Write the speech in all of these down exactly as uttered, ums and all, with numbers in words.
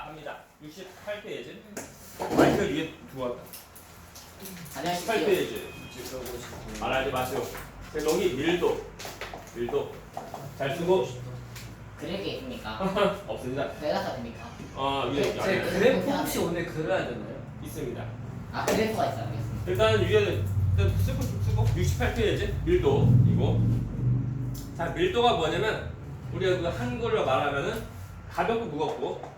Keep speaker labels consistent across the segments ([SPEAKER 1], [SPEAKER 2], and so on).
[SPEAKER 1] 합니다. 육십팔 페이지. 마이크 위에 두었다. 육십팔 페이지. 말하지 마시오. 자, 여기 밀도. 밀도. 잘 쓰고.
[SPEAKER 2] 그릴 게 있습니까?
[SPEAKER 1] 없습니다.
[SPEAKER 2] 내가 다 됩니까?
[SPEAKER 1] 어, 위에
[SPEAKER 2] 네,
[SPEAKER 1] 아니,
[SPEAKER 2] 네.
[SPEAKER 3] 그래프 혹시 오늘 그려야 되나요?
[SPEAKER 1] 있습니다.
[SPEAKER 2] 아 그래프가 있어 알겠습니다.
[SPEAKER 1] 일단 위에는 일단 쓰고 쓰고 육십팔 페이지 밀도 이거. 자, 밀도가 뭐냐면 우리가 그 한글로 말하면은 가볍고 무겁고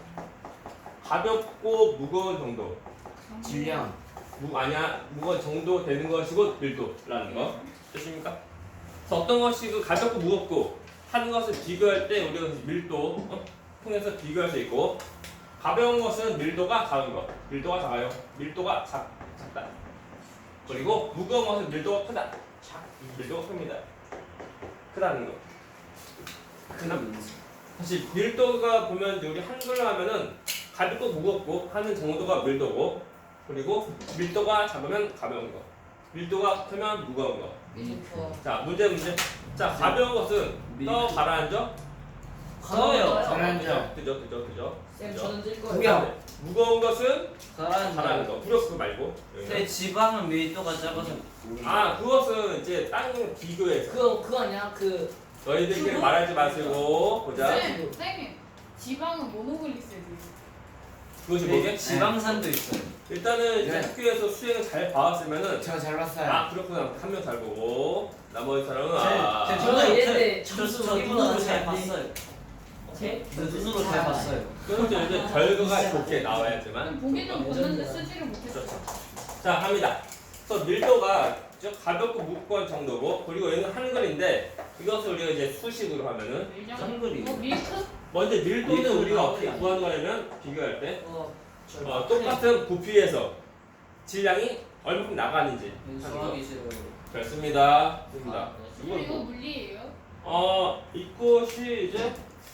[SPEAKER 1] 가볍고 무거운 정도.
[SPEAKER 3] 질량.
[SPEAKER 1] 무 아니야 무거운 정도 되는 것이고 밀도라는 거 됐습니까? 그래서 어떤 것이 그 가볍고 무겁고 하는 것을 비교할 때 우리가 밀도 어? 통해서 비교할 수 있고 가벼운 것은 밀도가 작은 것, 밀도가 작아요. 밀도가 작, 작다. 그리고 무거운 것은 밀도가 크다. 작, 밀도가 큽니다. 크다는 거. 크나? 사실 밀도가 보면 이제 우리 한글로 하면은 가볍고 무겁고 하는 정도가 밀도고 그리고 밀도가 작으면 가벼운 거. 밀도가 크면 무거운 거.
[SPEAKER 2] 밀도.
[SPEAKER 1] 자 문제 문제. 자 가벼운 것은 떠 가라앉아.
[SPEAKER 3] 커요.
[SPEAKER 2] 가라앉아.
[SPEAKER 1] 그죠 그죠 그죠.
[SPEAKER 4] 쌤
[SPEAKER 1] 그죠?
[SPEAKER 4] 저는 뜰 거예요.
[SPEAKER 3] 구경.
[SPEAKER 1] 무거운 것은 가라앉는
[SPEAKER 3] 가라앉아요.
[SPEAKER 1] 거. 부력 그거 말고.
[SPEAKER 3] 네, 지방은 밀도가 작아서.
[SPEAKER 1] 아 그것은 이제 다른 비교해서
[SPEAKER 4] 그거 그거 아니야 그
[SPEAKER 1] 너희들끼리
[SPEAKER 4] 그거?
[SPEAKER 1] 말하지 마시고 보자.
[SPEAKER 4] 쌤 쌤님 지방은 모노글리세리드.
[SPEAKER 1] 그것이
[SPEAKER 3] 네,
[SPEAKER 1] 뭐게?
[SPEAKER 3] 지방산도 있어요.
[SPEAKER 1] 일단은 이제
[SPEAKER 2] 네.
[SPEAKER 1] 학교에서 수행을 잘 봐왔으면은
[SPEAKER 2] 저 잘 봤어요.
[SPEAKER 1] 아 그렇구나 한 명 잘 보고 나머지 사람은
[SPEAKER 3] 제-
[SPEAKER 1] 아.
[SPEAKER 3] 제-
[SPEAKER 4] 저는
[SPEAKER 3] 저-
[SPEAKER 4] 이랬는데
[SPEAKER 3] 저-
[SPEAKER 4] 점수
[SPEAKER 3] 저
[SPEAKER 4] 우리보다
[SPEAKER 3] 눈으로 잘
[SPEAKER 4] 낫지 않니?
[SPEAKER 3] 봤어요.
[SPEAKER 4] 제?
[SPEAKER 3] 저 눈으로 잘 봤어요.
[SPEAKER 1] 그건 이제 이제 결과가 좋게 나와야지만.
[SPEAKER 4] 보기는 봤는데 쓰지를 못했어.
[SPEAKER 1] 그렇죠. 자 갑니다. 그래서 밀도가 저 가볍고 무거운 정도고 그리고 얘는 한글인데 이것을 우리가 이제 수식으로 하면은
[SPEAKER 4] 밀장?
[SPEAKER 3] 한글이.
[SPEAKER 4] 어 밀크?
[SPEAKER 1] 먼저 밀도는
[SPEAKER 3] 밀도는
[SPEAKER 1] 우리가 어떻게
[SPEAKER 3] 한글이
[SPEAKER 1] 구하는 거냐면 비교할 때
[SPEAKER 4] 어.
[SPEAKER 1] 어, 똑같은 부피에서 질량이 얼마큼 나가는지 하는 거.
[SPEAKER 3] 수학이 싫어요.
[SPEAKER 1] 좋습니다. 좋습니다.
[SPEAKER 2] 아,
[SPEAKER 4] 이거
[SPEAKER 1] 이거
[SPEAKER 4] 이거
[SPEAKER 1] 뭐,
[SPEAKER 4] 물리예요?
[SPEAKER 1] 어 이것이 이제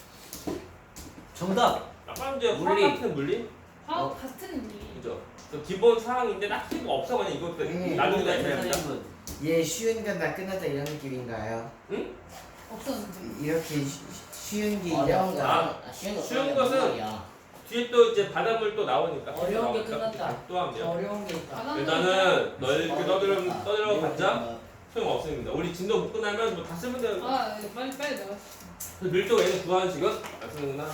[SPEAKER 3] 정답.
[SPEAKER 1] 약간 이제 화학
[SPEAKER 3] 물리.
[SPEAKER 1] 같은 물리
[SPEAKER 4] 화학
[SPEAKER 3] 어.
[SPEAKER 4] 같은 물리.
[SPEAKER 1] 그죠? 그래서 기본 사항인데 딱히 뭐 없어 그냥 이것도
[SPEAKER 2] 네.
[SPEAKER 1] 나중에 다
[SPEAKER 3] 선생님은
[SPEAKER 1] 해야
[SPEAKER 2] 얘 쉬운 건다 끝났다 이런 느낌인가요?
[SPEAKER 4] 없었는데.
[SPEAKER 2] 이렇게 쉬, 쉬운 게 어려운 이제 거.
[SPEAKER 1] 아,
[SPEAKER 2] 아, 쉬운 거.
[SPEAKER 1] 쉬운
[SPEAKER 2] 그런 게
[SPEAKER 1] 것은
[SPEAKER 2] 무슨 말이야.
[SPEAKER 1] 뒤에 또 이제 바닷물 또 나오니까
[SPEAKER 4] 어려운 게
[SPEAKER 1] 나오니까
[SPEAKER 4] 끝났다.
[SPEAKER 1] 또 하면 돼요.
[SPEAKER 4] 어려운 게 있다.
[SPEAKER 2] 아,
[SPEAKER 1] 일단은 너희 이렇게 떠들어
[SPEAKER 2] 어렵다.
[SPEAKER 1] 떠들어 봤자 소용 없습니다. 우리 진도 못 끝나면 뭐 다 쓰면 돼요.
[SPEAKER 4] 아 이거 빨리 빨리 나가.
[SPEAKER 1] 그래서 밀도 얘는 구하는 식은 안 쓰는구나.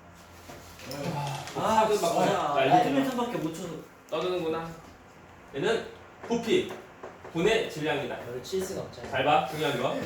[SPEAKER 3] 아,
[SPEAKER 1] 그 막-
[SPEAKER 3] 진짜.
[SPEAKER 1] 자, 이제
[SPEAKER 3] 일주일밖에 못 쳐서.
[SPEAKER 1] 떠드는구나. 얘는 부피 분의 질량이다.
[SPEAKER 4] 별칠 수가 없잖아.
[SPEAKER 1] 잘 봐, 중요한 거.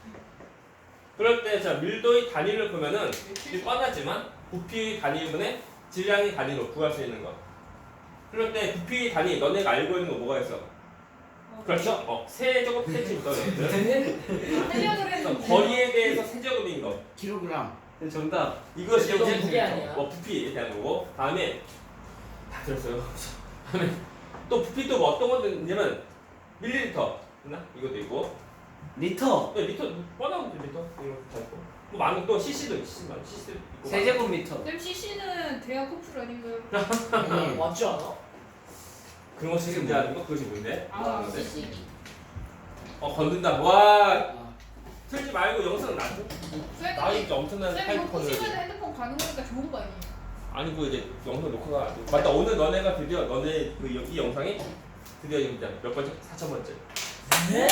[SPEAKER 1] 그럴 때 자 밀도의 단위를 보면은 이 뻔하지만 부피 단위분의 질량의 단위로 구할 수 있는 거. 그럴 때 부피 단위 너네가 알고 있는 거 뭐가 있어? 그렇죠? 어, 세제곱 센티미터 정도.
[SPEAKER 4] 하려고
[SPEAKER 1] 그래서
[SPEAKER 4] 했는데.
[SPEAKER 1] 거리에 대해서 세제곱인 거.
[SPEAKER 2] 킬로그램.
[SPEAKER 3] 네, 정답.
[SPEAKER 1] 이것이
[SPEAKER 4] 이건
[SPEAKER 1] 이제
[SPEAKER 4] 그게 아니야.
[SPEAKER 1] 어, 부피에 대한 거고. 다음에 다 들었어요. 다음에 또 부피 또 뭐 어떤 거 있냐면 밀리리터. 있나? 이것도 있고.
[SPEAKER 3] 리터.
[SPEAKER 1] 네, 리터 뻔한 거 리터 이거 다 있고. 뭐 많은 또 씨씨도 있고 씨씨도 있고.
[SPEAKER 3] 세제곱미터.
[SPEAKER 4] 쌤 씨씨는 대학 커플 아닌가요?
[SPEAKER 2] 네.
[SPEAKER 4] 맞지 않아?
[SPEAKER 1] 그런 거 시즌하는 거 그것이 뭔데?
[SPEAKER 4] 아,
[SPEAKER 1] 네.
[SPEAKER 2] 씨씨.
[SPEAKER 1] 어 건든다. 와 틀지 말고 영상 놔줘.
[SPEAKER 4] 쌤
[SPEAKER 1] 나 진짜 엄청난
[SPEAKER 4] 쌤 이거
[SPEAKER 1] 하이퍼를.
[SPEAKER 4] 푸시면 핸드폰 가는 거니까 좋은 거 아니에요?
[SPEAKER 1] 아니고 이제 영상 녹화가 안 돼. 맞다 오늘 너네가 드디어 너네 그 이 영상이 드디어 이제 몇 번째? 사천 번째.
[SPEAKER 4] 네?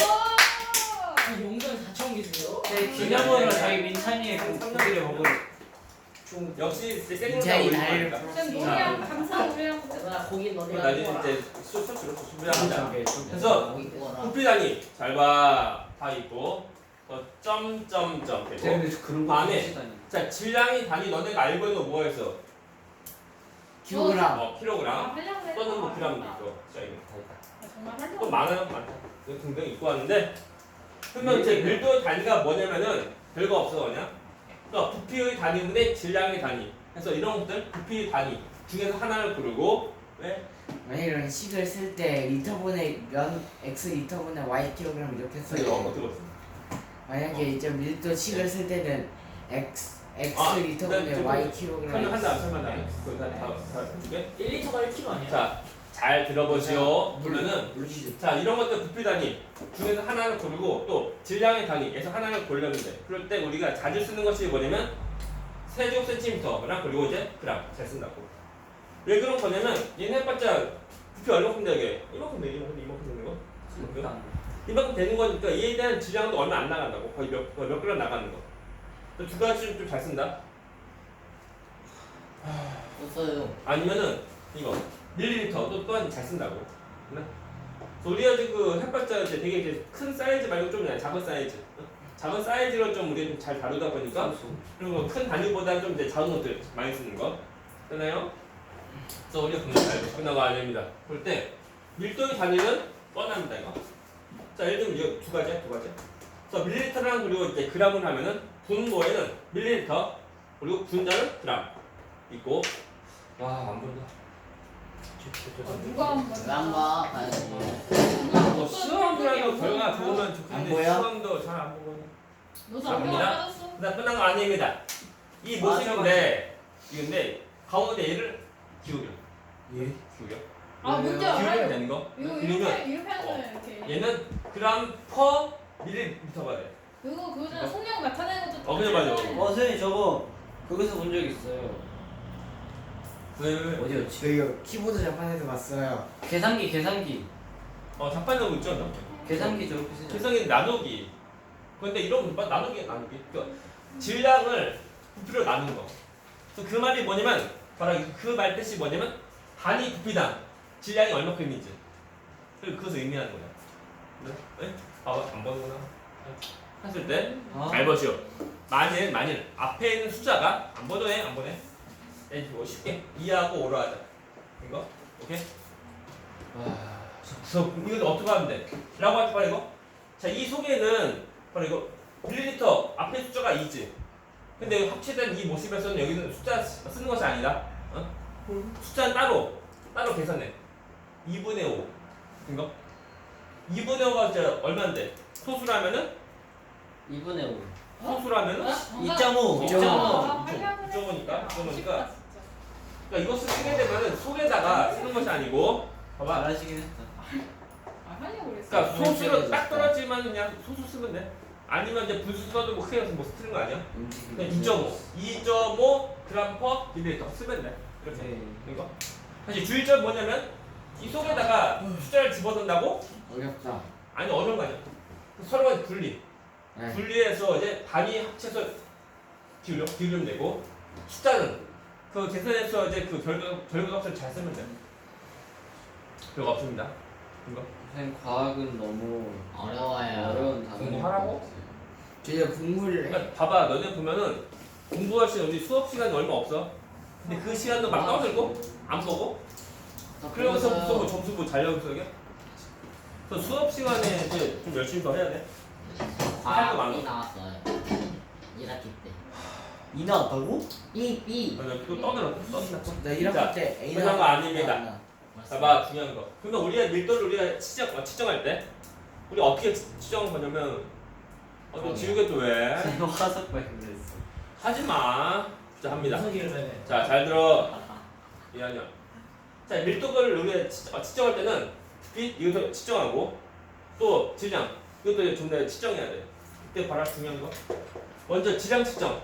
[SPEAKER 5] 용돈 사천 개세요?
[SPEAKER 3] 네, 기념으로 저희 민찬이의 그 고기를 먹으러.
[SPEAKER 1] 역시 이제 생각나
[SPEAKER 2] 굉장히
[SPEAKER 1] 올리고
[SPEAKER 2] 날-
[SPEAKER 1] 하니까.
[SPEAKER 4] 쌤 노래하고 감사 노래하고
[SPEAKER 5] 나 고기
[SPEAKER 1] 그럼
[SPEAKER 5] 너네가
[SPEAKER 1] 나중에
[SPEAKER 5] 먹어라.
[SPEAKER 1] 이제 수수로 준비합니다. 그래서
[SPEAKER 2] 거기 구워라.
[SPEAKER 1] 부피 단위 잘 봐. 다 있고 또 점점점 되고.
[SPEAKER 3] 근데 그런 거
[SPEAKER 1] 안에.
[SPEAKER 3] 하시다니.
[SPEAKER 1] 자 질량이 단위 너네가 알고 있는 거 뭐였어?
[SPEAKER 2] 킬로그램.
[SPEAKER 1] 어 킬로그램.
[SPEAKER 4] 아, 하려고 했는데.
[SPEAKER 1] 또는 뭐 그램도 있고. 자 이거 다 있다.
[SPEAKER 4] 아, 정말 하려고
[SPEAKER 1] 또 많아요, 많다. 이거 등등 입고 왔는데 그러면 이제 밀도의 단위가 뭐냐면은 별거 없어 그냥. 그러니까 부피의 단위분의 질량의 단위. 그래서 이런 것들 부피의 단위 중에서 하나를 고르고 왜?
[SPEAKER 2] 만약 이런 식을 쓸 때 리터분의 면 x 리터분의 y 킬로그램 이렇게
[SPEAKER 1] 그래서 이거
[SPEAKER 2] 써요.
[SPEAKER 1] 어떻게 봤어?
[SPEAKER 2] 만약에 이제 밀도 식을 쓸 때는 x x
[SPEAKER 1] 아,
[SPEAKER 2] 리터분의
[SPEAKER 1] 네,
[SPEAKER 2] y
[SPEAKER 1] 설명
[SPEAKER 2] 킬로그램.
[SPEAKER 1] 한다, 설명한다. 그거 다, 다, 다 해줄게.
[SPEAKER 5] 일 리터가 일 킬로그램 아니야?
[SPEAKER 1] 자, 잘 들어보시오.
[SPEAKER 2] 물-
[SPEAKER 1] 보면은
[SPEAKER 2] 물리죠.
[SPEAKER 1] 자 이런 것들 부피 단위 중에서 하나를 고르고 또 질량의 단위에서 하나를 고르면 돼. 그럴 때 우리가 자주 쓰는 것이 뭐냐면 세제곱 센티미터랑 그리고 이제 그람 잘 쓴다고. 왜 그런 거냐면 얘는 해봤자 부피 얼마큼 되게 이만큼 되게 이만큼 이만큼 되는 거. 이만큼? 이만큼 되는 거니까 얘에 대한 질량도 얼마 안 나간다고. 거의 몇, 거의 몇 그램 나가는 거. 두 가지 좀 잘 쓴다.
[SPEAKER 5] 없어요.
[SPEAKER 1] 아니면은 이거 밀리리터도 또한 잘 쓴다고. 네? 그래서 우리가 지금 그 해봤자 이제 되게 이제 큰 사이즈 말고 좀 그냥 작은 사이즈, 어? 작은 사이즈로 좀 우리가 좀 잘 다루다 보니까 그리고 큰 단위보다 좀 이제 작은 것들 많이 쓰는 거, 되나요? 그래서 우리가 분명 잘 끝나고 안 됩니다. 볼 때 밀도의 단위는 뻔합니다 이거. 자 예를 들면 이거 두 가지야 두 가지. 그래서 밀리리터랑 그리고 이제 그램을 하면은 분모에는 밀리리터 그리고 분자는 그램 있고. 와 안 보인다.
[SPEAKER 4] 어, 누가 한 번.
[SPEAKER 5] 랑가 가야지.
[SPEAKER 1] 뭐 수험이라도 결과 좋으면
[SPEAKER 2] 안
[SPEAKER 1] 좋겠는데
[SPEAKER 2] 보여?
[SPEAKER 1] 수험도 잘 안 보거든요.
[SPEAKER 4] 너도
[SPEAKER 1] 갑니다.
[SPEAKER 4] 안 맞았어?
[SPEAKER 1] 그다음 끝난 거 아닙니다. 이 모습인데 이건데 가운데 얘를 기울여.
[SPEAKER 2] 예.
[SPEAKER 1] 기울여.
[SPEAKER 4] 아 뭔지
[SPEAKER 1] 기울이면
[SPEAKER 4] 알아요.
[SPEAKER 1] 되는 거.
[SPEAKER 4] 이거
[SPEAKER 1] 그러면
[SPEAKER 4] 이렇게 이렇게 하는 거야 이렇게.
[SPEAKER 1] 얘는 그램 퍼 밀리리터가 돼.
[SPEAKER 4] 이거 그거잖아. 속력 나타내는 것도.
[SPEAKER 1] 어, 그래, 맞아.
[SPEAKER 3] 어 선생님 저거 거기서 본 적 있어요.
[SPEAKER 1] 왜 왜? 왜?
[SPEAKER 3] 어디였지?
[SPEAKER 2] 저 이거 키보드 자판에서 봤어요.
[SPEAKER 3] 계산기 계산기
[SPEAKER 1] 어 잠깐 나고 있죠, 너.
[SPEAKER 3] 계산기 저렇게 쓰죠.
[SPEAKER 1] 세상에 나누기. 근데 이런 거 나누기 나누기. 그러니까 질량을 부피로 나눈 거. 그래서 그 말이 뭐냐면 바로 그 말 뜻이 뭐냐면 단위 부피당 질량이 얼마큼인지. 그래서 그것을 의미하는 거야. 네? 네? 아, 안 보는구나. 했을 때 잘
[SPEAKER 3] 아,
[SPEAKER 1] 보시오. 만일 만일 앞에 있는 숫자가 안 보네 안 보네. 네, 뭐 쉽게 이하고 오로 하자. 이거 오케이. 그래서 이건 어떻게 하면 돼? 라고 할때 바로 이거. 자, 이 속에는 바로 이거 밀리리터 앞에 숫자가 이지. 근데 합치된 이 모습에서는 여기는 숫자 쓰는 것이 아니다. 어? 숫자는 따로 따로 계산해. 이분의 오. 이거 이분의 오가 이제 얼마인데? 소수라면은
[SPEAKER 3] 이분의 오.
[SPEAKER 1] 소수라면은
[SPEAKER 3] 이 점 오. 이 점 오.
[SPEAKER 4] 아,
[SPEAKER 1] 이점
[SPEAKER 4] 하려고
[SPEAKER 1] 오니까
[SPEAKER 4] 했는데.
[SPEAKER 1] 이점 오니까.
[SPEAKER 4] 아쉽다, 진짜.
[SPEAKER 1] 그러니까 이것을 쓰게 되면은 속에다가 쓰는 것이 아니고 봐봐.
[SPEAKER 3] 잘하시긴 했다.
[SPEAKER 4] 아 하려고 그랬어.
[SPEAKER 1] 그러니까
[SPEAKER 2] 네,
[SPEAKER 1] 소수로
[SPEAKER 2] 네,
[SPEAKER 1] 딱
[SPEAKER 2] 네.
[SPEAKER 1] 떨어지면 그냥 소수 쓰면 돼. 아니면 이제 분수 써도 뭐 크게 뭐 쓰는 거 아니야?
[SPEAKER 2] 움직임.
[SPEAKER 1] 그냥 이 점 오, 이 점 오 그램 퍼 밀리리터 쓰면 돼. 이렇게.
[SPEAKER 3] 네.
[SPEAKER 1] 이거. 사실 주의점 뭐냐면 이 속에다가 숫자를 집어넣는다고?
[SPEAKER 2] 어렵다.
[SPEAKER 1] 아니 어려운 거 아니야. 서로가 분리.
[SPEAKER 2] 네.
[SPEAKER 1] 분리해서 이제 단위 합쳐서 기울여 기울이면 되고 숫자는 그 계산해서 이제 그 결과 결과값을 잘 쓰면 돼. 별거 없습니다. 이거
[SPEAKER 3] 선생님 과학은 너무
[SPEAKER 5] 어려워요.
[SPEAKER 3] 어려운 단어.
[SPEAKER 1] 공부하라고?
[SPEAKER 2] 저 이제 공부를 해.
[SPEAKER 1] 그러니까 봐봐, 너네 보면은 공부할 시간 우리 수업 시간이 얼마 없어. 근데 그 시간도 막 떠들고 안 보고 그러면서 무슨 뭐 점수 뭐 잘려고 저게. 그래서 수업 시간에 이제 좀 열심히 더 해야 돼. 할거 많아.
[SPEAKER 5] 과학이 나왔어요. 일 학기 때.
[SPEAKER 3] 이 나왔다고?
[SPEAKER 5] B B.
[SPEAKER 1] 맞아, 또 떠들어, 떠들어.
[SPEAKER 2] 나 일
[SPEAKER 1] 자,
[SPEAKER 2] 학기 때 A
[SPEAKER 1] 그런 거 아닙니다. 봐봐, 중요한 거. 그러면 우리가 밀도를 우리가 측정, 어, 측정할 때 우리 어떻게 측- 측정을 하냐면 어, 너 지우개 또 왜?
[SPEAKER 3] 선생님 화석 발견했어.
[SPEAKER 1] 하지 마. 자, 합니다.
[SPEAKER 3] 화석이를 해.
[SPEAKER 1] 자, 잘 들어. 이한이야. 자, 밀도를 우리가 측- 어, 측정할 때는 부피 이것도 측정하고 또 질량 이것도 이제 좀 더 측정해야 돼. 그때 바로 중요한 거. 먼저 질량 측정.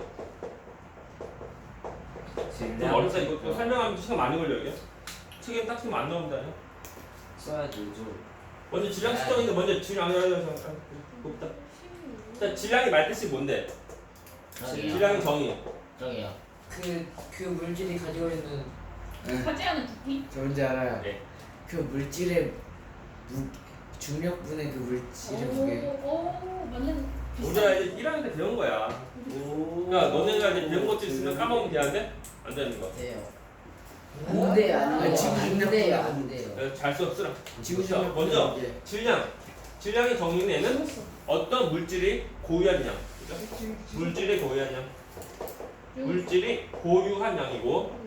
[SPEAKER 1] 좀 어렵다 이거 또 설명하면 시간 많이 걸려 이게. 책에 딱 쓰면 안 나온다.
[SPEAKER 3] 써야 되죠.
[SPEAKER 1] 먼저 질량 측정인데 먼저 질량 곱다. 자, 질량이 말 뜻이 뭔데?
[SPEAKER 5] 저기요.
[SPEAKER 1] 질량의 정의.
[SPEAKER 5] 저기요. 그, 그 물질이 가지고 있는
[SPEAKER 4] 차지하는 부피?
[SPEAKER 2] 저 뭔지 알아요.
[SPEAKER 1] 네.
[SPEAKER 2] 그 물질의 무, 중력분의 그 물질의 무게.
[SPEAKER 4] 오, 맞는.
[SPEAKER 1] 우리가 이제 일 학년 때 배운 거야.
[SPEAKER 3] 오.
[SPEAKER 1] 그러니까 너네가 이제 배운 것들 있으면 까먹으면 되는데 안 되는 거.
[SPEAKER 5] 돼요.
[SPEAKER 2] 근데 안 돼. 지금
[SPEAKER 5] 안
[SPEAKER 2] 중력보다
[SPEAKER 5] 돼요.
[SPEAKER 2] 안
[SPEAKER 5] 안 돼요.
[SPEAKER 1] 그래서 잘 써, 쓰라.
[SPEAKER 2] 지구
[SPEAKER 1] 자,
[SPEAKER 2] 중력
[SPEAKER 1] 먼저 질량. 질량의 정의는 어떤 물질이 고유한 양. 그죠? 물질이 고유한 양. 물질이 고유한 양이고.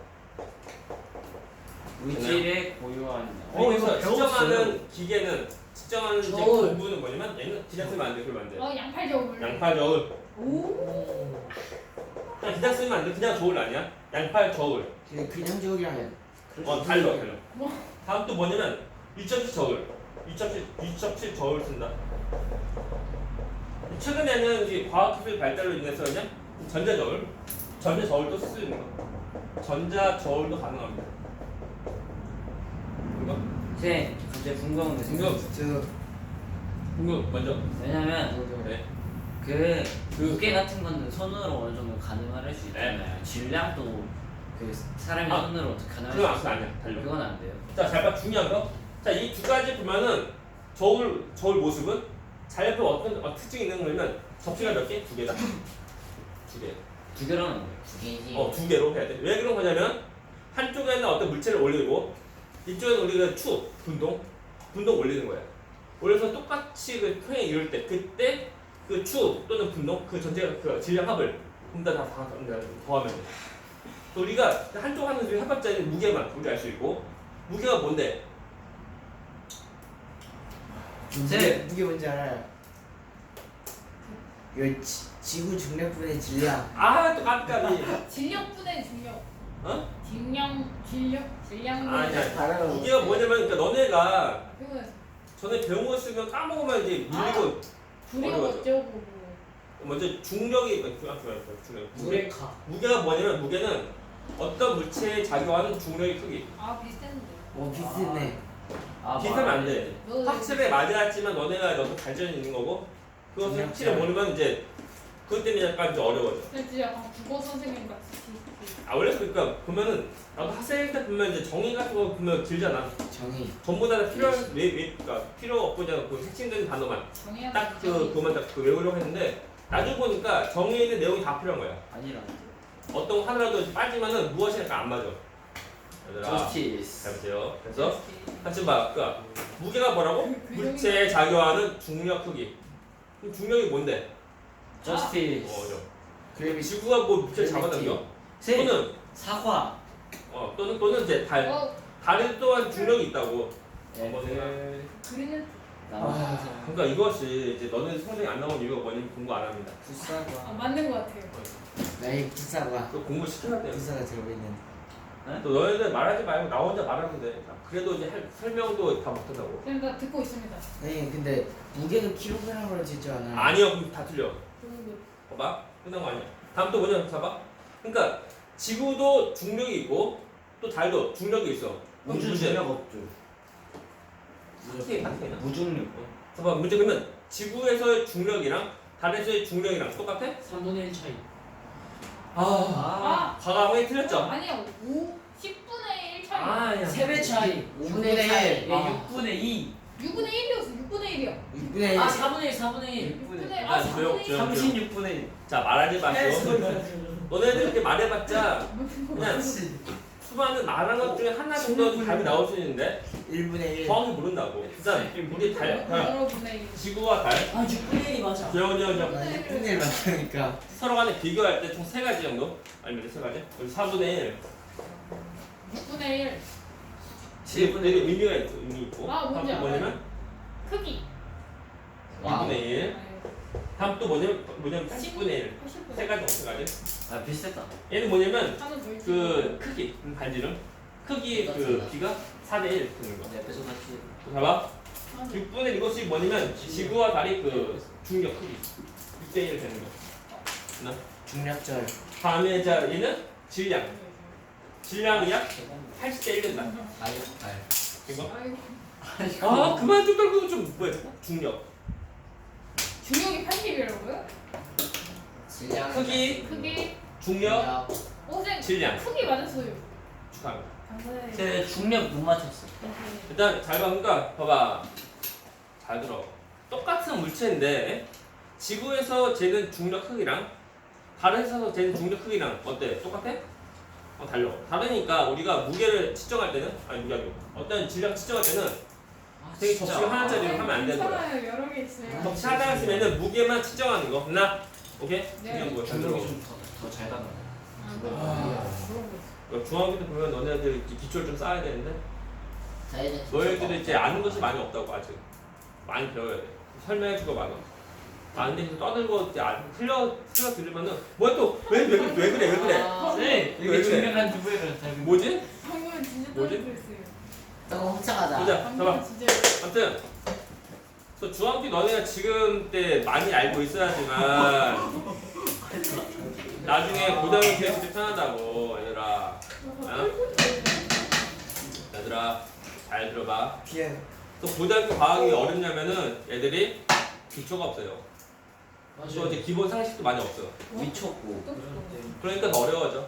[SPEAKER 3] 물질의 고유한 양.
[SPEAKER 1] 여기서 측정하는 기계는 측정하는 이제
[SPEAKER 5] 저울.
[SPEAKER 1] 공부는 뭐냐면 얘는 기장 쓰면 안 돼, 그러면 안 돼.
[SPEAKER 4] 어 양팔 저울.
[SPEAKER 1] 양팔 저울.
[SPEAKER 4] 오.
[SPEAKER 1] 그냥 기장 쓰면 안 돼. 그냥 저울 아니야. 양팔 저울.
[SPEAKER 2] 그냥 그냥 저울이랑
[SPEAKER 1] 어, 달러, 달러. 다음 또 뭐냐면 이 점 칠 저울. 이 점 칠, 이 점 칠 저울 쓴다. 최근에는 이제 과학기술 발달로 인해서 그냥 전자 저울. 전자 저울도 쓸 수 있는 거. 전자 저울도 가능합니다. 이거
[SPEAKER 3] 쌤 갑자기 궁금한 게
[SPEAKER 1] 궁금
[SPEAKER 3] 생겼어.
[SPEAKER 1] 궁금 먼저.
[SPEAKER 3] 왜냐면
[SPEAKER 1] 네.
[SPEAKER 3] 그
[SPEAKER 1] 그-
[SPEAKER 3] 무게 같은 거는 손으로 어느 정도 가능할 수 있잖아요. 질량도 그 사람이
[SPEAKER 1] 아,
[SPEAKER 3] 손으로 어떻게 가능할
[SPEAKER 1] 그건
[SPEAKER 3] 수
[SPEAKER 1] 아까
[SPEAKER 3] 있어요?
[SPEAKER 1] 아니야. 달려.
[SPEAKER 3] 그건 안 돼요.
[SPEAKER 1] 자, 잘 봐. 중요한 거. 자, 이 두 가지 보면은 저울 저울 모습은 잘 옆에 어떤 어, 특징이 있는 거냐면 접시가 몇 개? 두 개다. 두 개.
[SPEAKER 3] 두 개로 하는 거예요.
[SPEAKER 2] 두 개지.
[SPEAKER 1] 어, 두 개로 해야 돼. 왜 그런 거냐면 한쪽에는 어떤 물체를 올리고 이쪽에는 우리가 추, 분동, 분동 올리는 거야. 올려서 똑같이 그 평행 이룰 때 그때 그 추 또는 분동 그 전체가 그 질량 합을 혼자 다, 다, 다 더하면 돼. 또 우리가 한쪽 하는 그 해봤자 무게만 우리 알 수 있고 무게가 뭔데?
[SPEAKER 2] 무게,
[SPEAKER 3] 네.
[SPEAKER 2] 무게 뭔지 알아요? 이 지, 지구 중력분의 질량.
[SPEAKER 1] 아, 또 깜깜이.
[SPEAKER 4] 질력분의 중력.
[SPEAKER 1] 어?
[SPEAKER 4] 질량 질력 질량.
[SPEAKER 1] 아니야.
[SPEAKER 2] 알아요.
[SPEAKER 1] 무게가 뭐냐면 그러니까 너네가
[SPEAKER 4] 그거는
[SPEAKER 1] 전에 배운 거 쓰면 까먹으면 이제 밀리고
[SPEAKER 4] 불이고
[SPEAKER 1] 어려워져.
[SPEAKER 4] 어쩌고.
[SPEAKER 1] 먼저 중력이 아, 중력, 중력. 무게
[SPEAKER 5] 무레카.
[SPEAKER 1] 무게가 뭐냐면 무게는 어떤 물체에 작용하는 중력의 크기.
[SPEAKER 4] 아 비슷한데.
[SPEAKER 2] 오 비슷네.
[SPEAKER 3] 아,
[SPEAKER 1] 비슷하면 안 돼.
[SPEAKER 4] 너
[SPEAKER 1] 확실히 맞았지만 너네가 너도 발전이 있는 거고 그것을
[SPEAKER 2] 중력
[SPEAKER 1] 확실히 모르면 이제 그것 때문에 약간 좀 어려워져.
[SPEAKER 4] 진짜 약간 국어 선생님 같이. 비슷해.
[SPEAKER 1] 아 원래 그러니까 보면은 나도 학생 때 보면 이제 정의 같은 거 보면 길잖아.
[SPEAKER 2] 정의.
[SPEAKER 1] 전부 다 필요한 왜, 왜 그러니까 필요 없고 그냥 그 핵심적인 단어만
[SPEAKER 4] 정해야
[SPEAKER 1] 딱 그 그만 딱 그 외우려고 했는데 나중에 보니까 정의에 있는 내용이 다 필요한 거야.
[SPEAKER 3] 아니라는데.
[SPEAKER 1] 어떤 거 하나라도 빠지면은 무엇이 약간 안 맞아. 얘들아 잘
[SPEAKER 3] 저스티스.
[SPEAKER 1] 보세요. 그래서 같이 봐. 그러니까 무게가 뭐라고?
[SPEAKER 4] 그
[SPEAKER 1] 물체에 작용하는 중력 크기. 그럼 중력이 뭔데?
[SPEAKER 3] 저스티스.
[SPEAKER 1] 어, 저.
[SPEAKER 2] 그래비
[SPEAKER 1] 지구가 뭐 물체를 잡아당겨?
[SPEAKER 3] 쌤
[SPEAKER 1] 또는
[SPEAKER 3] 사과.
[SPEAKER 1] 어 또는 또는 이제 달.
[SPEAKER 4] 어
[SPEAKER 1] 달에 또한 중력이 있다고.
[SPEAKER 3] 애들.
[SPEAKER 4] 그리는
[SPEAKER 3] 나와.
[SPEAKER 1] 그러니까 이것이 이제 너는 성적이 안 나온 이유가 뭐냐면 공부 안 합니다.
[SPEAKER 4] 아,
[SPEAKER 3] 풋사과.
[SPEAKER 4] 맞는 것 같아요.
[SPEAKER 2] 나의 부사가
[SPEAKER 1] 그 공부 시켜야 돼요.
[SPEAKER 2] 부사가 들어있는.
[SPEAKER 1] 또 너희들 말하지 말고 나 혼자 말하면 돼. 그래도 이제 할- 설명도 다 못한다고.
[SPEAKER 4] 그냥 다 듣고 있습니다.
[SPEAKER 2] 아니 근데 무게는 킬로그램으로 재지 않아요.
[SPEAKER 1] 아니요, 그럼 다 틀려.
[SPEAKER 4] 그리고
[SPEAKER 1] 봐봐, 끝난 거 아니야. 다음 또 뭐냐, 봐봐. 그러니까 지구도 중력이 있고 또 달도 중력이 있어. 그럼
[SPEAKER 3] 우주
[SPEAKER 1] 문제.
[SPEAKER 3] 중력 없죠.
[SPEAKER 1] 어떻게 어떻게 나?
[SPEAKER 3] 무중력.
[SPEAKER 1] 봐봐, 문제 그러면 지구에서의 중력이랑 달에서의 중력이랑 똑같아?
[SPEAKER 5] 삼분의 일 차이.
[SPEAKER 1] 아,
[SPEAKER 4] 아
[SPEAKER 1] 과감하게 틀렸죠.
[SPEAKER 4] 아니야 오 십분의 일 차이.
[SPEAKER 1] 아니야.
[SPEAKER 5] 세 배 차이.
[SPEAKER 2] 오분의 일.
[SPEAKER 3] 예,
[SPEAKER 2] 아.
[SPEAKER 3] 육분의 이.
[SPEAKER 4] 육분의 일이었어. 육분의 일이야.
[SPEAKER 2] 육분의 일.
[SPEAKER 5] 아 사분의 일 사분의 일.
[SPEAKER 4] 육분의
[SPEAKER 1] 아,
[SPEAKER 4] 아
[SPEAKER 1] 조용,
[SPEAKER 4] 삼분의 일.
[SPEAKER 1] 조용.
[SPEAKER 3] 삼십육분의 일.
[SPEAKER 1] 자, 말하지 마시고. 너네들 이렇게 말해봤자 그냥
[SPEAKER 2] 그렇지.
[SPEAKER 1] 수많은 말한 것 중에 하나 정도 답이 나올 수 있는데
[SPEAKER 2] 일분의 일.
[SPEAKER 1] 정확히 모른다고. 일단 우리 달, 달
[SPEAKER 4] 여러분의 일.
[SPEAKER 1] 지구와 달,
[SPEAKER 5] 아 육분의 일이 맞아.
[SPEAKER 1] 조용, 조용, 조용.
[SPEAKER 2] 나 육분의 일 맞다니까.
[SPEAKER 1] 서로 간에 비교할 때 총 세 가지 정도? 아니면 세 가지? 여기 사분의 일.
[SPEAKER 4] 육분의 일.
[SPEAKER 1] 이게 되게 의미가 있어, 의미 있고.
[SPEAKER 4] 아, 뭔지
[SPEAKER 1] 다음 또 뭐냐면
[SPEAKER 4] 크기.
[SPEAKER 2] 와우.
[SPEAKER 1] 이분의 일. 다음 또 뭐냐면 뭐냐면 팔십분의 일.
[SPEAKER 4] 팔십분의
[SPEAKER 1] 세 가지, 세 가지.
[SPEAKER 3] 아 비슷했다.
[SPEAKER 1] 얘는 뭐냐면
[SPEAKER 4] 하나 더 있지.
[SPEAKER 1] 그 크기, 음, 반지름. 크기 그 비가 사대 일 되는 거.
[SPEAKER 3] 내 옆에서 같이.
[SPEAKER 1] 또 봐봐.
[SPEAKER 4] 하나 더.
[SPEAKER 1] 육분의 이것이 뭐냐면 지구와 달이 그 중력 크기 육대 일 되는 거. 나
[SPEAKER 2] 중력절.
[SPEAKER 1] 다음에 자 얘는 질량. 질량이 약 팔십 대 일 된다.
[SPEAKER 2] 아유 알.
[SPEAKER 1] 이거.
[SPEAKER 4] 아이고.
[SPEAKER 1] 아 그만 좀 떨고 좀 뭐야? 중력.
[SPEAKER 4] 중력이 팔십이라고요?
[SPEAKER 2] 질량.
[SPEAKER 1] 크기,
[SPEAKER 4] 크기.
[SPEAKER 1] 중력,
[SPEAKER 4] 오생
[SPEAKER 1] 질량.
[SPEAKER 4] 크기 맞았어요.
[SPEAKER 1] 축하합니다.
[SPEAKER 4] 감사해요.
[SPEAKER 3] 제 중력 못 맞췄어.
[SPEAKER 1] 일단 잘 봐니까 봐봐. 잘 들어. 똑같은 물체인데 지구에서 재는 중력 크기랑 달에서 재는 중력 크기랑 어때? 똑같아? 어 달라. 다르니까 우리가 무게를 측정할 때는 아니 무게 아니고 어떤 질량 측정할 때는
[SPEAKER 3] 아,
[SPEAKER 1] 되게 접시가 하나짜리로 하면 안 되는 거야.
[SPEAKER 4] 괜찮아요. 여러 개 있어요.
[SPEAKER 1] 접시 하나 쓰면은 무게만 측정하는 거. 나 오케이?
[SPEAKER 4] 네.
[SPEAKER 1] 중요한 거야. 잘 들어.
[SPEAKER 3] 중력이 좀더잘 가나.
[SPEAKER 4] 아, 그런 거 있어.
[SPEAKER 1] 어, 중학교 때 보면 너네들 이렇게 기초를 좀 쌓아야 되는데
[SPEAKER 2] 자 이제
[SPEAKER 1] 너희들이 이제 아는 것이 많이 없다고 아직 많이 배워야 돼. 설명해주고 많아. 아는데 계속 떠들고 이제 안 틀려 틀려 들으면은 뭐야 또왜왜 왜, 왜 그래 왜 그래?
[SPEAKER 5] 아,
[SPEAKER 3] 네.
[SPEAKER 1] 왜
[SPEAKER 3] 이게
[SPEAKER 1] 그래?
[SPEAKER 3] 중력 한 두 배를 잘.
[SPEAKER 1] 뭐지?
[SPEAKER 4] 방금은 진짜
[SPEAKER 1] 뭐지?
[SPEAKER 4] 떨어졌어요.
[SPEAKER 2] 너무 훔쳐가자.
[SPEAKER 1] 보자.
[SPEAKER 4] 방금은
[SPEAKER 1] 봐봐.
[SPEAKER 4] 진짜
[SPEAKER 1] 아무튼 그래서 중학교 너네가 지금 때 많이 알고 있어야지만 나중에 고등학교 기획 때 편하다고 얘들아. 얘들아 잘 들어봐.
[SPEAKER 2] 비에
[SPEAKER 1] 또 고등학교 과학이 어렵냐면은 애들이 기초가 없어요. 또 이제 기본 상식도 많이 없어.
[SPEAKER 3] 미쳤고.
[SPEAKER 1] 그러니까 더 어려워져.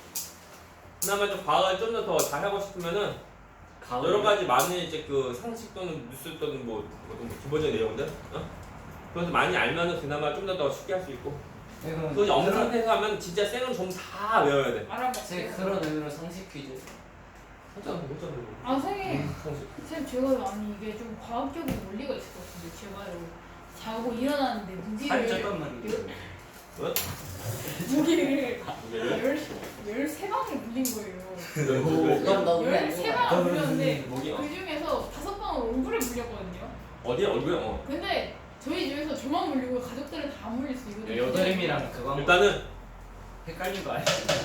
[SPEAKER 1] 그나마 좀 과학을 좀 더 더 잘하고 싶으면은 여러 가지 많은 이제 그 상식 또는 뉴스 또는 뭐 어떤 기본적인 내용들, 어? 그래서 많이 알면은 그나마 좀 더 더 쉽게 할 수 있고. 또 이제 없는 상태에서 하면 진짜 생은 전부 다 외워야 돼.
[SPEAKER 4] 알아봐.
[SPEAKER 3] 제 그런 의미로 상식 퀴즈.
[SPEAKER 1] 혼자 못 혼자 외워.
[SPEAKER 4] 아 선생님,
[SPEAKER 1] 상식.
[SPEAKER 4] 쌤 제가 아니 이게 좀 과학적인 논리가 있을 것 같은데 제가요 자고 일어나는데 무기를
[SPEAKER 3] 말이야.
[SPEAKER 1] 뭐?
[SPEAKER 4] 무기를
[SPEAKER 1] 무게를?
[SPEAKER 4] 열 열세 방을 물린 거예요.
[SPEAKER 3] 그럼 너 우리
[SPEAKER 4] 열세
[SPEAKER 3] 아니야.
[SPEAKER 4] 방을 물렸는데
[SPEAKER 1] 목이 어.
[SPEAKER 4] 그 중에서 다섯 방을 얼굴에 물렸거든요.
[SPEAKER 1] 어디야 얼굴에? 어.
[SPEAKER 4] 근데 저희 집에서 저만 물리고 가족들은 다 안 물릴 수 있거든요.
[SPEAKER 3] 여드름이랑 그거 한번
[SPEAKER 1] 일단은
[SPEAKER 3] 헷갈린 거 아니야?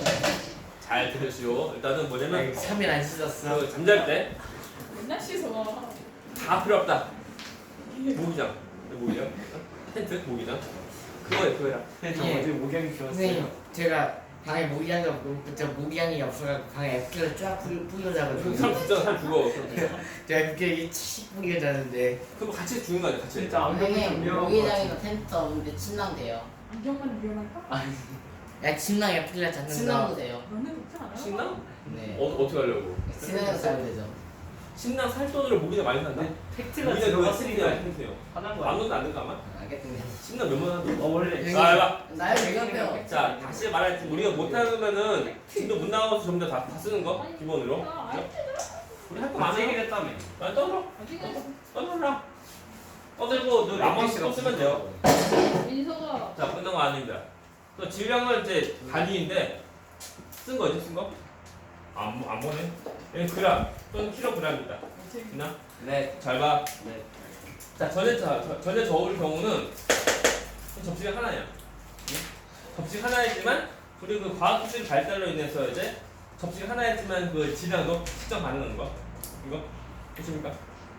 [SPEAKER 1] 잘 들으시오. 일단은 뭐냐면
[SPEAKER 2] 삼 일 안 씻었어.
[SPEAKER 1] 그 잠잘 때 다
[SPEAKER 4] 맨날 씻어.
[SPEAKER 1] 필요 없다. 모기장, 모기장, 어? 텐트, 모기장. 그거에 그거야.
[SPEAKER 3] 저
[SPEAKER 2] 예.
[SPEAKER 3] 어제 목양이
[SPEAKER 2] 선생님
[SPEAKER 3] 키웠어요.
[SPEAKER 2] 제가 방에 모기향이 없고 저 모기향이 없어가지고 방에 에프를 쫙 뿌려 뿌려
[SPEAKER 1] 살
[SPEAKER 2] 자거든요.
[SPEAKER 1] 죽잖아, 살 죽어.
[SPEAKER 2] 제가 그게 칙 뿌려 자는데
[SPEAKER 1] 그럼 같이 죽는 거 아니야, 같이.
[SPEAKER 3] 진짜 안경이 좀
[SPEAKER 6] 선생님
[SPEAKER 3] 위험한 거
[SPEAKER 6] 모기장이나 텐트 없는데 침낭 돼요.
[SPEAKER 4] 안경만 위험할까?
[SPEAKER 2] 야 침낭에 뿌려
[SPEAKER 6] 침낭도
[SPEAKER 2] 잤는데
[SPEAKER 6] 돼요.
[SPEAKER 4] 너는 좋지 않아?
[SPEAKER 1] 신랑?
[SPEAKER 6] 네.
[SPEAKER 1] 어 어떻게 하려고?
[SPEAKER 6] 침낭에서 살면 되죠.
[SPEAKER 1] 신랑 살 돈으로 모기장 많이 산다.
[SPEAKER 3] 팩트가
[SPEAKER 1] 모기장 그거
[SPEAKER 3] 들어갔으니까
[SPEAKER 1] 텐트야, 텐트요.
[SPEAKER 3] 화난 거
[SPEAKER 1] 안
[SPEAKER 3] 아니야?
[SPEAKER 1] 넣어도 안 될까 아마?
[SPEAKER 6] 알겠습니다.
[SPEAKER 1] 신랑 몇만 원?
[SPEAKER 3] 어 원래
[SPEAKER 2] 네.
[SPEAKER 1] 자, 해봐.
[SPEAKER 6] 나요 얘기해요.
[SPEAKER 1] 자, 다시 말할지 우리가 못하면은 진도 못 나가서 전부 다, 다 쓰는 거 기본으로.
[SPEAKER 4] 아, 아니,
[SPEAKER 1] 우리 할 거
[SPEAKER 3] 많이
[SPEAKER 1] 많아.
[SPEAKER 3] 얘기했다며.
[SPEAKER 1] 아, 떠들어,
[SPEAKER 4] 아직은
[SPEAKER 1] 떠들어라. 떠들고 너 나머지 또 쓰면 돼요.
[SPEAKER 4] 민서가
[SPEAKER 1] 자, 끝난 거 아닙니다. 또 질량은 이제 단위인데 쓴 거죠, 쓴 거? 안, 안 보네. 얘는 그램 또는 킬로그램입니다.
[SPEAKER 4] 어떻게
[SPEAKER 1] 있나?
[SPEAKER 3] 네.
[SPEAKER 1] 잘 봐.
[SPEAKER 3] 네.
[SPEAKER 1] 자, 전에 저, 저- 전에 저울 경우는 접시가 하나야. 응? 접시 하나이지만 우리 그 과학 기술 발달로 인해서 이제 접시 하나였지만 그 질량도 측정 가능한 거. 이거 보십니까?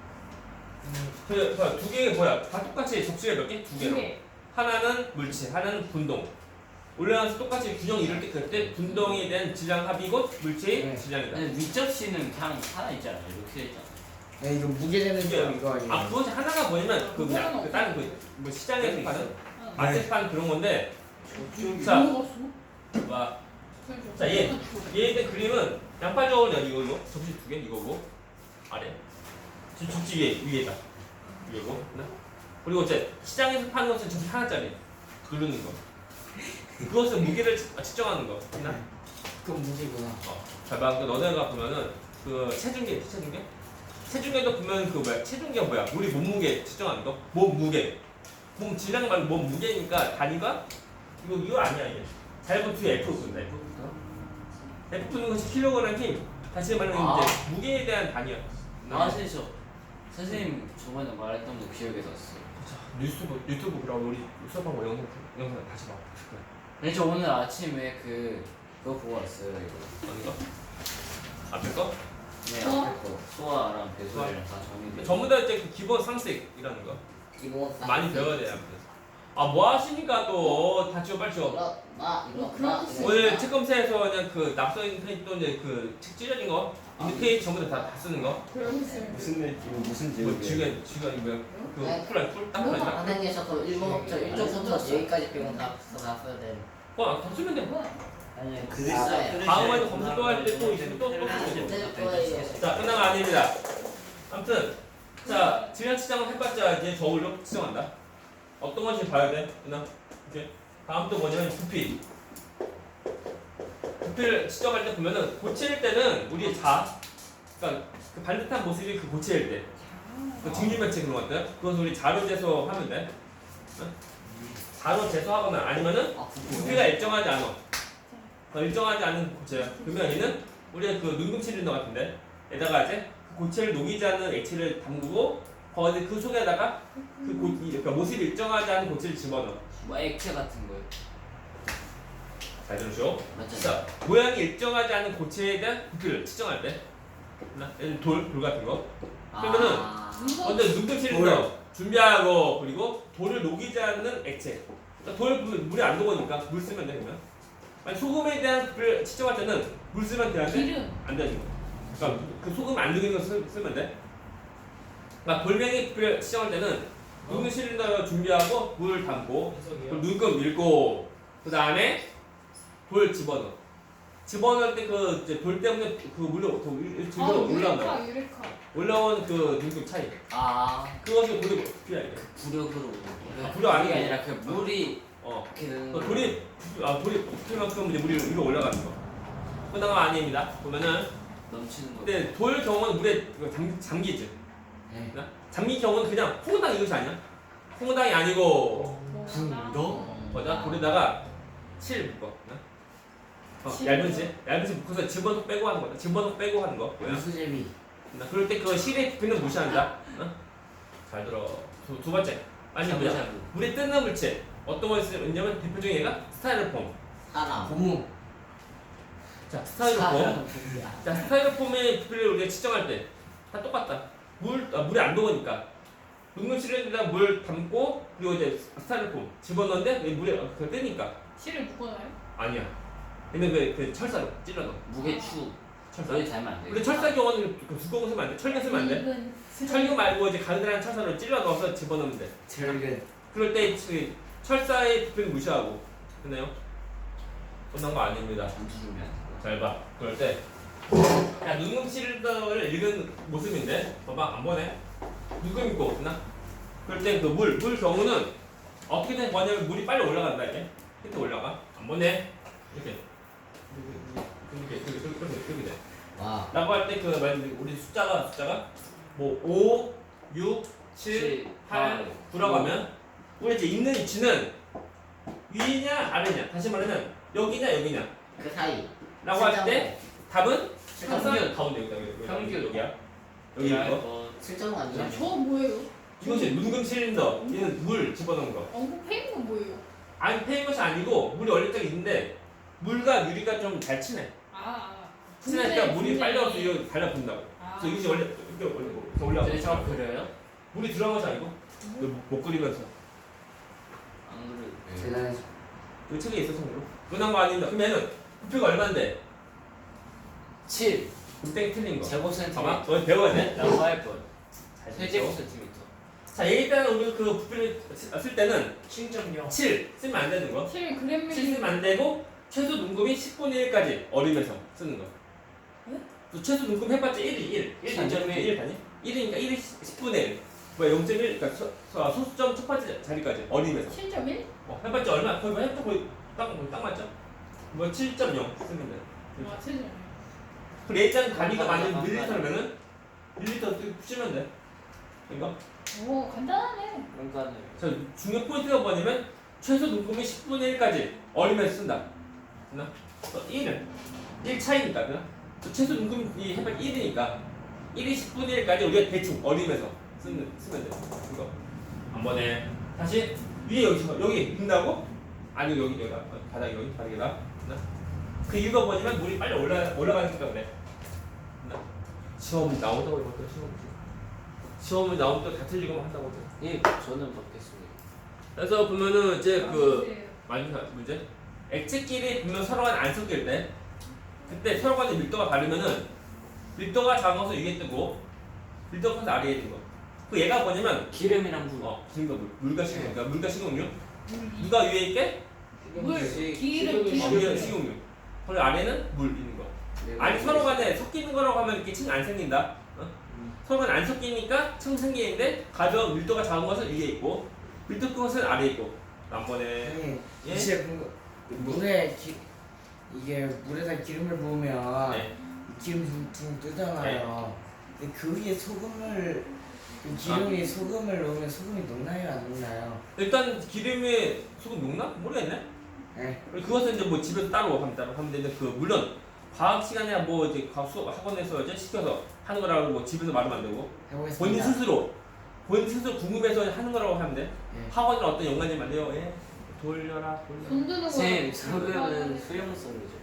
[SPEAKER 1] 그두 개가 뭐야? 다 똑같이 접시가 몇 개? 두 개로.
[SPEAKER 4] 개.
[SPEAKER 1] 하나는 물질, 하나는 분동. 올라가서 똑같이 균형 이룰 때 그때 분동에 대한 질량 합이 곧 물체의
[SPEAKER 2] 네.
[SPEAKER 1] 질량이다.
[SPEAKER 3] 근데 윗접시는 그냥 하나 있잖아요. 이렇게 돼 있잖아.
[SPEAKER 2] 야 이거 무게되는
[SPEAKER 1] 이게요.
[SPEAKER 2] 점 이거 아니에요?
[SPEAKER 1] 아 그것이 하나가 뭐냐면 그 그냥 그 다른 그뭐 시장에서 파는 마트에서 파는 그런 건데 자,
[SPEAKER 4] 누가 없어?
[SPEAKER 1] 봐. 자, 얘 얘에 대한 그림은 양파 저울이야 이거 이거 접시 두 개 이거고 아래 저 접시 위에 위에다 이거고 하나. 그리고 이제 시장에서 파는 것은 접시 하나짜리 누르는 거 그것은 무게를 측- 측정하는 거 하나.
[SPEAKER 2] 그건 무게구나.
[SPEAKER 1] 어, 잘 봐. 그 너네가 보면은 그 체중계, 체중계? 체중계도 보면 그 뭐야? 체중계가 뭐야? 우리 몸무게 측정하는 거? 몸 무게. 몸 질량 말고 몸 무게니까 단위가 이거 이거 아니야 이게. 잘 보면 뒤에 F 붙는다 F. F 붙는 것이 킬로그램 힘. 다시 말하면
[SPEAKER 3] 아.
[SPEAKER 1] 이제 무게에 대한 단위야.
[SPEAKER 3] 아 선생님 저 선생님 저번에 말했던 거 기억에 났어.
[SPEAKER 1] 자, 유튜브 유튜브 그럼 우리 수업하고 영상 영상 다시 봐.
[SPEAKER 3] 근데 저 오늘 아침에 그 그거 보고 왔어요 이거.
[SPEAKER 1] 어디 거? 앞에 거?
[SPEAKER 3] 네
[SPEAKER 4] 수아?
[SPEAKER 3] 앞에 거 수아랑 배수이랑 다 정리돼.
[SPEAKER 1] 전부 다 이제 그 기본 상식이라는 거.
[SPEAKER 6] 기본
[SPEAKER 1] 많이 배워야 돼요. 아 뭐 하시니까 또 다 지워 빨리 지워.
[SPEAKER 6] 이거 나 이거
[SPEAKER 4] 어, 그런
[SPEAKER 6] 나
[SPEAKER 4] 거
[SPEAKER 6] 이거
[SPEAKER 1] 오늘
[SPEAKER 6] 나.
[SPEAKER 1] 책검사에서 그냥 그 낙서인 페이지 또 이제 그책 찢어진 거 인드 페이지 전부 다 다 쓰는 거.
[SPEAKER 4] 그러겠어요.
[SPEAKER 3] 무슨 일 무슨
[SPEAKER 1] 뭐 지금 지금 뭐야?
[SPEAKER 6] 네.
[SPEAKER 1] 그 쿨라 쿨딱 쿨라.
[SPEAKER 6] 선생님 저거 일본부터 일쪽부터 여기까지 빼고 다 다 써야 돼.
[SPEAKER 1] 어다 쓰면 돼.
[SPEAKER 6] 아니
[SPEAKER 3] 글을
[SPEAKER 6] 아,
[SPEAKER 3] 써.
[SPEAKER 6] 네.
[SPEAKER 1] 다음에도 검사 또 할 때 또 있으면 또또 쓰고.
[SPEAKER 6] 될 거예요.
[SPEAKER 1] 자 끝난 거 아닙니다. 아무튼 자 질량 측정을 해봤자 이제 저울로 측정한다. 어떤 것이 봐야 돼? 끝나. 이제 다음 또 뭐냐면 부피. 부피를 측정할 때 보면은 고체일 때는 우리 자, 그러니까 그 반듯한 모습이 그 고체일 때. 그 증류면체 그런 것들 그것은 우리 자로 재소하면 돼. 응? 자로 재소하거나 아니면은
[SPEAKER 6] 아
[SPEAKER 1] 부피가 일정하지 않아. 어, 일정하지 않은 고체야. 그러면 얘는 우리가 그 눈금 실린더 같은데 에다가 이제 그 고체를 녹이지 않는 액체를 담그고 거기 그 속에다가 그 고, 이- 그러니까 모습이 일정하지 않은 고체를 집어넣어.
[SPEAKER 3] 뭐 액체 같은 거요.
[SPEAKER 1] 잘 들으시오.
[SPEAKER 3] 맞죠?
[SPEAKER 1] 자 모양이 일정하지 않은 고체에 대한 부피를 측정할 때, 얘는 돌, 돌 같은 거. 그러면은
[SPEAKER 3] 아,
[SPEAKER 1] 먼저 눈금 실린더 준비하고 그리고 돌을 녹이지 않는 액체. 그러니까 돌 물이 안 녹으니까 물 쓰면 돼 그러면. 아니, 소금에 대한 부피를 측정할 때는 물 쓰면 되는데
[SPEAKER 4] 기름.
[SPEAKER 1] 안 되는 거. 그러니까 그 소금 안 들어있는 거 쓰, 쓰면 돼. 그러니까 돌멩이 부피를 측정할 때는 누군 실린더 준비하고 물 담고 그럼 누군 밀고 그 다음에 돌 집어넣어. 집어넣을 때 그 이제 돌 때문에 그 물로 더 일-
[SPEAKER 4] 아
[SPEAKER 1] 일로 올라온다.
[SPEAKER 4] 유레카 유레카.
[SPEAKER 1] 올라온 그 눈금 차이.
[SPEAKER 3] 아
[SPEAKER 1] 그것이 돌이 부피야 이게.
[SPEAKER 3] 부력으로.
[SPEAKER 1] 아, 부력 아니고.
[SPEAKER 3] 아니라 그 물이
[SPEAKER 1] 어.
[SPEAKER 3] 이렇게 되는
[SPEAKER 1] 그
[SPEAKER 3] 거.
[SPEAKER 1] 돌이 부- 아 돌이 부피만큼 이제 물이 위로 올라가는 거. 그다음 아닙니다. 보면은
[SPEAKER 3] 넘치는 거.
[SPEAKER 1] 근데 돌 경우는 물에 이거 잠, 잠기지.
[SPEAKER 2] 네.
[SPEAKER 1] 잠긴 경우는 그냥 홍당 이것이 아니야. 홍당이 아니고
[SPEAKER 4] 너?
[SPEAKER 1] 뭐다 돌에다가 칠 묶어. 어,
[SPEAKER 4] 칠
[SPEAKER 1] 얇은 실, 얇은 실 묶어서 집어넣고 빼고 하는 거다. 집어넣고 빼고 하는 거. 뭐야?
[SPEAKER 2] 유수제비.
[SPEAKER 1] 나 그럴 때 그 실의 부피는 무시한다. 어? 잘 들어. 두, 두 번째. 아니 뭐야?
[SPEAKER 3] 샤브샤브.
[SPEAKER 1] 물에 뜨는 물체. 어떤 걸 쓰냐면 대표적인 얘가 스타이로폼.
[SPEAKER 6] 사람.
[SPEAKER 2] 고무.
[SPEAKER 1] 자 스타이로폼. 자 스타이로폼의 부피를 우리가 측정할 때 다 똑같다. 물 아, 물이 안 녹으니까 녹는 실에다 물 담고 그리고 이제 스타이로폼 집어넣는데 왜 물에 그 뜨니까
[SPEAKER 4] 실을 묶어놔요?
[SPEAKER 1] 아니야. 근데 그, 그 철사로 찔러 넣어.
[SPEAKER 3] 무게추.
[SPEAKER 1] 철사.
[SPEAKER 3] 저희 닮으면 안 돼.
[SPEAKER 1] 근데 철사 경우는 그 두꺼운 거 쓰면 안 돼. 철근 쓰면 안 돼.
[SPEAKER 4] 이건
[SPEAKER 1] 철근 말고 이제 가느다란 철사로 찔러 넣어서 집어넣으면 돼.
[SPEAKER 2] 절근.
[SPEAKER 1] 그럴 때 그 철사의 부피는 무시하고 됐나요? 끝난 거 아닙니다.
[SPEAKER 3] 전투 준비한 거.
[SPEAKER 1] 잘 봐. 그럴 때 야, 눈금 실더를 읽은 모습인데 봐봐 안 보네. 눈금 있고 없나? 그럴 때 그 물, 물 경우는 어떻게 된 거냐면 물이 빨리 올라간다 이게 밑에 올라가 안 보네 이렇게 이렇게 이렇게 이렇게 이렇게 이렇게 돼.
[SPEAKER 2] 와.
[SPEAKER 1] 라고 할 때 그 우리 숫자가 숫자가 뭐 오, 육, 칠, 팔, 구라고 하면 우리 이제 있는 위치는 위냐 아래냐 다시 말하면 여기냐 여기냐
[SPEAKER 6] 그 사이.
[SPEAKER 1] 라고 할 때 답은 항상
[SPEAKER 3] 평균.
[SPEAKER 1] 가운데 여기다 여기,
[SPEAKER 3] 평균.
[SPEAKER 1] 여기야 여기 이거
[SPEAKER 3] 거.
[SPEAKER 6] 실전 아니야?
[SPEAKER 4] 저 뭐예요?
[SPEAKER 1] 이것이 눈금 실린더 얘는 물 집어넣은 거
[SPEAKER 4] 엉국 페인 건 뭐예요?
[SPEAKER 1] 아니 패인 것이 아니고 물이 얼릴 때가 있는데 물과 유리가 좀 잘 친해
[SPEAKER 4] 아, 아.
[SPEAKER 1] 친하니까
[SPEAKER 4] 분쇄,
[SPEAKER 1] 물이
[SPEAKER 4] 분쇄.
[SPEAKER 1] 빨리 와서 이거 달라붙는다고
[SPEAKER 4] 아.
[SPEAKER 1] 그래서 이것이 원래 이렇게 올리고 이렇게 올라가고
[SPEAKER 3] 근데 저 그려요?
[SPEAKER 1] 물이 들어간 것이 아니고 못, 못 그리면서
[SPEAKER 3] 안 그려.
[SPEAKER 2] 대단하시.
[SPEAKER 1] 그 책에 있어서 그런 그런 거 아닙니다 그러면은 부피가 얼마인데
[SPEAKER 3] 칠.
[SPEAKER 1] 땡 틀린 거
[SPEAKER 3] 제곱
[SPEAKER 1] 봐봐
[SPEAKER 3] 센티미터.
[SPEAKER 1] 너 배워야 돼
[SPEAKER 3] 라고 할 걸.
[SPEAKER 1] 잘
[SPEAKER 3] 세
[SPEAKER 1] 듣죠?
[SPEAKER 3] 제곱 센티미터.
[SPEAKER 1] 자 일단 우리 그 부피를 쓸 때는
[SPEAKER 5] 칠 점 영.
[SPEAKER 1] 칠 쓰면 안 되는 거
[SPEAKER 4] 칠 그램
[SPEAKER 1] 칠 쓰면 안 되고 최소 눈금이 십분의 일까지 어리면서 쓰는 거.
[SPEAKER 4] 네?
[SPEAKER 1] 또 최소 눈금 해봤자 일이 일. 일 단위.
[SPEAKER 3] 칠 점 일.
[SPEAKER 1] 일 단위? 일이니까 일이 십분의 일. 뭐야 영 점 일 그러니까 소, 소, 소수점 첫 번째 자리까지 어리면서.
[SPEAKER 4] 칠 점 일?
[SPEAKER 1] 어, 해봤자 얼마? 거의 뭐 해봤자 거의 딱, 거의 딱 맞죠? 뭐 칠 점 영 쓰면 돼.
[SPEAKER 4] 아, 칠 점 일.
[SPEAKER 1] 그리고 일단 단위가 만약 밀리터면은 밀리터 쓰면 돼. 이거.
[SPEAKER 4] 오, 간단하네.
[SPEAKER 3] 그러니까는
[SPEAKER 1] 자 중요 포인트가 뭐냐면 최소 눈금이 십분의 일까지 어리면서 쓴다. 됐나? 일은 일 차이니까 그나? 최소 눈금이 해봤자 일이니까 일이 십분의 일까지 우리가 대충 어리면서 쓰면, 쓰면 돼. 이거 한 번에 다시 위에 여기 여기 읽는다고? 아니 여기 여기 바닥 여기 바닥에다. 됐나? 그 이유가 뭐냐면 물이 빨리 올라 올라가기 때문에. 됐나? 시험 나온다고 이거 시험 시험을 나오면 또 다 틀리고 한다고.
[SPEAKER 3] 예, 저는 받겠습니다.
[SPEAKER 1] 그래서 보면은 이제
[SPEAKER 4] 아,
[SPEAKER 1] 그
[SPEAKER 4] 네.
[SPEAKER 1] 마지막 문제 액체끼리 분명 서로 간에 안 섞일 때 그때 서로 간에 밀도가 다르면은 밀도가 작아서 위에 뜨고 밀도가 커서 아래에 있는 거. 그 얘가 뭐냐면
[SPEAKER 3] 기름이랑 물.
[SPEAKER 1] 어 기름과 물, 물과 식용, 그러니까 물과 식용유. 누가 위에 있게?
[SPEAKER 4] 물,
[SPEAKER 3] 시-
[SPEAKER 4] 기름,
[SPEAKER 1] 어,
[SPEAKER 4] 기름.
[SPEAKER 1] 위에 식용유. 그리고 아래는 물 있는 거. 아니 서로 간에 섞이는 거라고 하면 이렇게 층 안 생긴다. 어? 서로 간에 안 섞이니까 층 생기는데 가벼운 밀도가 작은 것은 위에 있고 밀도 큰 것은 아래에 있고. 남번에
[SPEAKER 2] 형님,
[SPEAKER 1] 예?
[SPEAKER 2] 이제 궁금. 물에 기 이게 물에다 기름을 부으면
[SPEAKER 1] 네.
[SPEAKER 2] 기름 둥둥 뜨잖아요. 근데 그 위에 소금을 그 기름이 소금을 넣으면 소금이 녹나요 안 녹나요?
[SPEAKER 1] 일단 기름에 소금 녹나? 모르겠네.
[SPEAKER 2] 네.
[SPEAKER 1] 그리고 그것은 이제 뭐 집에서 따로 하면 따로 하면 되는데 그 물론 과학 시간이나 뭐 이제 과학 수업 학원에서 이제 시켜서 하는 거라고 뭐 집에서 말하면 안 되고 본인
[SPEAKER 2] 해보겠습니다.
[SPEAKER 1] 스스로 본인 스스로 궁금해서 하는 거라고 하면 돼.
[SPEAKER 2] 예.
[SPEAKER 1] 학원은 어떤 연관이 많네요. 예. 돌려라 돌려.
[SPEAKER 4] 손 드는 거.
[SPEAKER 3] 쌤, 소금은 수용성이죠.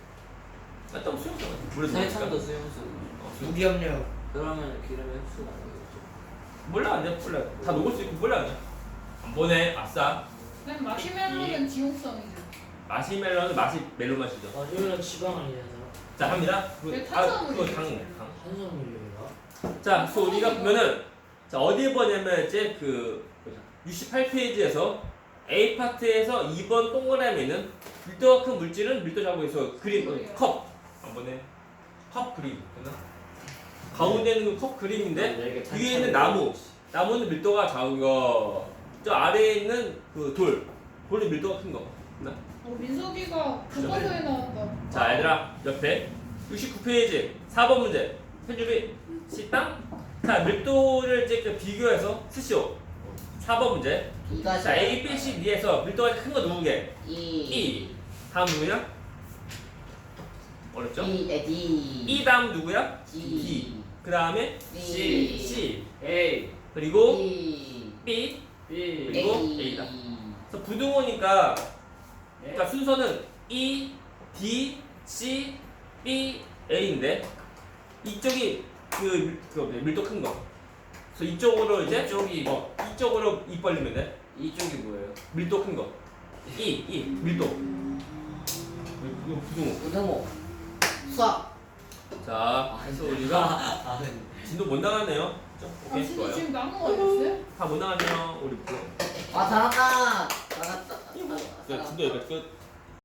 [SPEAKER 1] 어떤 수영장 물에
[SPEAKER 3] 설탕도
[SPEAKER 1] 넣으니까.
[SPEAKER 3] 수용성이죠.
[SPEAKER 1] 어, 수영.
[SPEAKER 2] 무기압력.
[SPEAKER 3] 그러면 기름의 흡수가 안 되겠죠.
[SPEAKER 1] 몰라 안 돼. 몰라. 다 녹을 수 있고 몰라 그냥. 안 보내. 아싸.
[SPEAKER 4] 그냥 마시멜로는 지옥성이죠.
[SPEAKER 1] 마시멜로는 마시 멜로 맛이죠.
[SPEAKER 6] 마시멜로 지방 아니잖아.
[SPEAKER 1] 자 합니다.
[SPEAKER 4] 왜
[SPEAKER 1] 그, 아,
[SPEAKER 4] 탄수화물이
[SPEAKER 1] 그거 당,
[SPEAKER 4] 있어요?
[SPEAKER 1] 당.
[SPEAKER 6] 탄수화물이가.
[SPEAKER 1] 자, 그래서 우리가 보면은 자 어디에 보냐면 이제 그 육십팔 페이지에서 A 파트에서 이 번 동그라미는 밀도가 큰 물질은 밀도 작업에서 그림 어, 컵 한번에 컵 그림 됐나? 가운데 있는 그 컵 그림인데 위에 있는 나무 나무는 밀도가 작은 거. 저 아래에 있는 그 돌 돌은 밀도가 큰 거. 됐나?
[SPEAKER 4] 어, 민석이가 교과서에 나왔다.
[SPEAKER 1] 자 얘들아 옆에 육십구 페이지 사 번 문제 편집이 식당 자 밀도를 이제 그 비교해서 쓰시오 사 번 문제
[SPEAKER 6] 이가
[SPEAKER 1] 자 A, B, C, D에서 밀도가 큰 거 누구게?
[SPEAKER 6] 이.
[SPEAKER 1] E 다음 누구냐? 어렵죠?
[SPEAKER 6] 이. 에, D.
[SPEAKER 1] E 다음 누구야?
[SPEAKER 6] D.
[SPEAKER 1] D 그 다음에
[SPEAKER 6] D.
[SPEAKER 1] C, C
[SPEAKER 3] A
[SPEAKER 1] 그리고
[SPEAKER 6] B.
[SPEAKER 1] B
[SPEAKER 3] B
[SPEAKER 1] 그리고 A다 그래서 부등호니까 그러니까 순서는 E, D, C, B, A인데 이쪽이 그, 밀- 그 밀도 큰 거. 그래서 이쪽으로 이제
[SPEAKER 3] 이쪽이
[SPEAKER 1] 어, 이쪽으로 입 벌리면 돼.
[SPEAKER 3] 이쪽이 뭐예요?
[SPEAKER 1] 밀도 큰 거. E, E 밀도. 이거 부등호.
[SPEAKER 6] 우등호. 수학.
[SPEAKER 1] 자, 그래서 우리가 진도 못 나갔네요. 자,
[SPEAKER 4] 아,
[SPEAKER 1] 오케이
[SPEAKER 4] 진짜
[SPEAKER 1] 좋아요.
[SPEAKER 4] 지금 나무가 됐어요?
[SPEAKER 1] 다 못 나갔네요. 우리 부등.
[SPEAKER 6] 아, 다 나갔다. 나갔다.
[SPEAKER 1] 자, 진도 여기까지 끝.